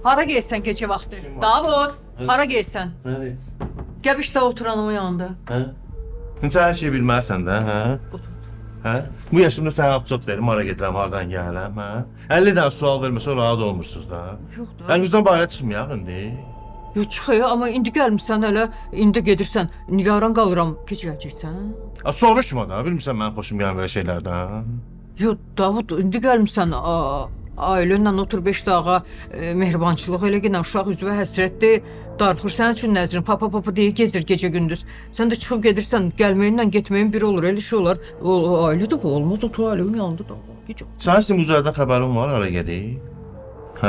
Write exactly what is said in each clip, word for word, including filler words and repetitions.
Hara gelsən gecə vaxtı? Davud, hara gelsən? Nereye? Gəbişdə oturanım yanında. Hə? Sən hər şeyi bilməzsən də, hə? Hə? Bu yaşımda sənə absot verim, hara gedirəm, hardan gəlirəm, hə? əlli dənə sual verməsə rahat olmursunuz da. Yox da. Əlinizdən bayra çıxmayaq indi. Yox çıxıyor, amma indi gəlmirsən hələ, indi gedirsən, nigaran qalıram, keçəcəksən. Ha, soruşma da, bilmirsən mənim xoşum gələn belə şeylərdən. Yox, Davud, indi gəlmirsən, ailə ilə otur beş dağa, e, mehribançılıq elə gələn uşaq üzvə həsrətdir, darıxır sənin üçün nəzrin, papa papa deyə gezir gecə gündüz. Sən də çıxıb gedirsən, gəlməyinlə getməyin biri olur, elə şey olar. O, o ailə də bu olmaz, o tu ailəmin yanında da. Gecə. Sənin sizin üzərdən xəbərin var, hara gedik? Hə?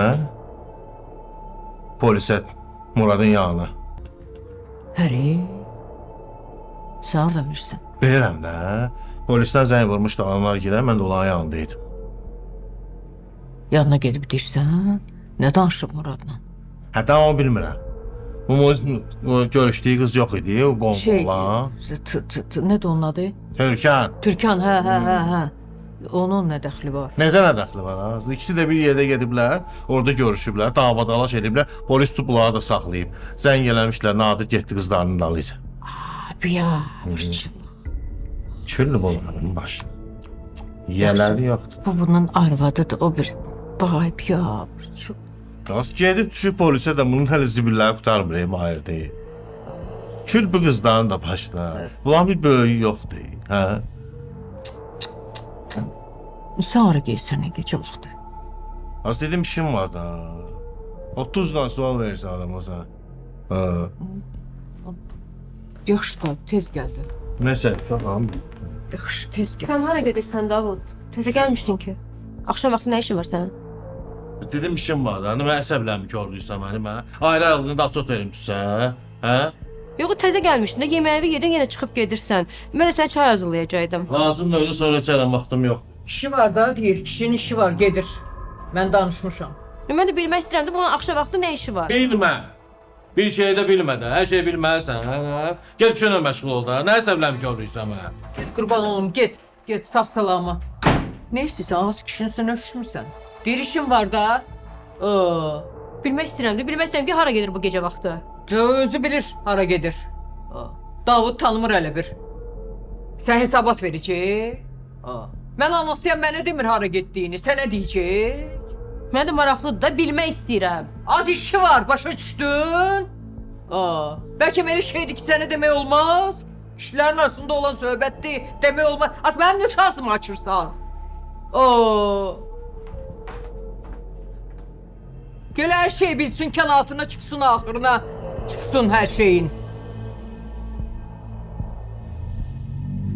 Polisə, Muradın yanına. Həri, sən orada bilirsən. Bilirəm də, polisdən zəng vurmuşdu, adamlar girər, mən də onların yanındaydım. Yanına gedib deyirsən, nə danışıb Muradla? Hətta onu bilmirəm. Bu o görüşdüyü qız yox idi, o qonşu Şey, olan. t- t- t- nədir onun adı? Türkan. Türkan, hə, hə, hə, hə. Onun nə dəxli var? Necə nə dəxli var ha? İkisi də bir yerdə gediblər, orada görüşüblər, davadalaş ediblər, polis tutub bunları da saxlayıb. Zəng eləmişlər, Nadir getdi qızlarının dalıyca. Abi ya, hırçılıq. Küllü bunların başı. Yiyələri yoxdur. Bu bunun arvadıdır, o bir bayb ya, hırçılıq. Qas gedib düşüb polisə də bunun hələ zibilləri qutarmır, hayır deyil. Kül bu qızların da başına. Bunların bir böyüyü yoxdur, hə? Sən hara geysən gecə vaxtı? Az dedim işim var da. otuzdan sual verirsən adama sən. Hə. Yaxşı da, tez gəldi. Nəsə, uşağım. Yaxşı, tez gəldi. Sən hara gedirsən Davud? Təzə gəlmişdin ki. Axşam vaxtı nə işin var sənin? Dedim işim var da. Nə əsəbləmi gördüysən məni mən? Ayrı aylığında absot verim sizə. Hə? Yox, təzə gəlmişdin də yeməyi yedin, yenə çıxıb gedirsən. Mən də sənə çay hazırlayacaqdım. Lazım da öyle sonra içərəm, vaxtım yox. İşi var da, deyir, kişinin işi var, gedir. Mən danışmışam. Mən də bilmək istəyirəm də bunun axşam vaxtı nə işi var? Bilmə. Bir şey də bilmə də. Hər şeyi bilməlisən, hə? Gəl şuna məşğul ol da. Nə əsəbləmi gördüysən mənə? Get, qurban olum, get. Get, sağ salamat. Nə istəyirsən, az kişinin sən öpüşmürsən. Deyir, işin var da. Oo. Bilmək istəyirəm də, bilmək istəyirəm ki, hara gedir bu gecə vaxtı? Özü bilir, hara gedir. Oo. Davud tanımır hələ bir. Sən hesabat verəcək. Oo. Mən anlasıyam, mənə demir hara getdiyini, sənə deyəcək. Mənə də maraqlıdır da, bilmək istəyirəm. Az işi var, başa düşdün? Aa, bəlkə belə şeydir ki, sənə demək olmaz. Kişilərin arasında olan söhbətdir, demək olmaz. Az mənim nə şansımı açırsan? Oo. Gəl hər şey bilsin, kənatına çıxsın, axırına çıxsın hər şeyin.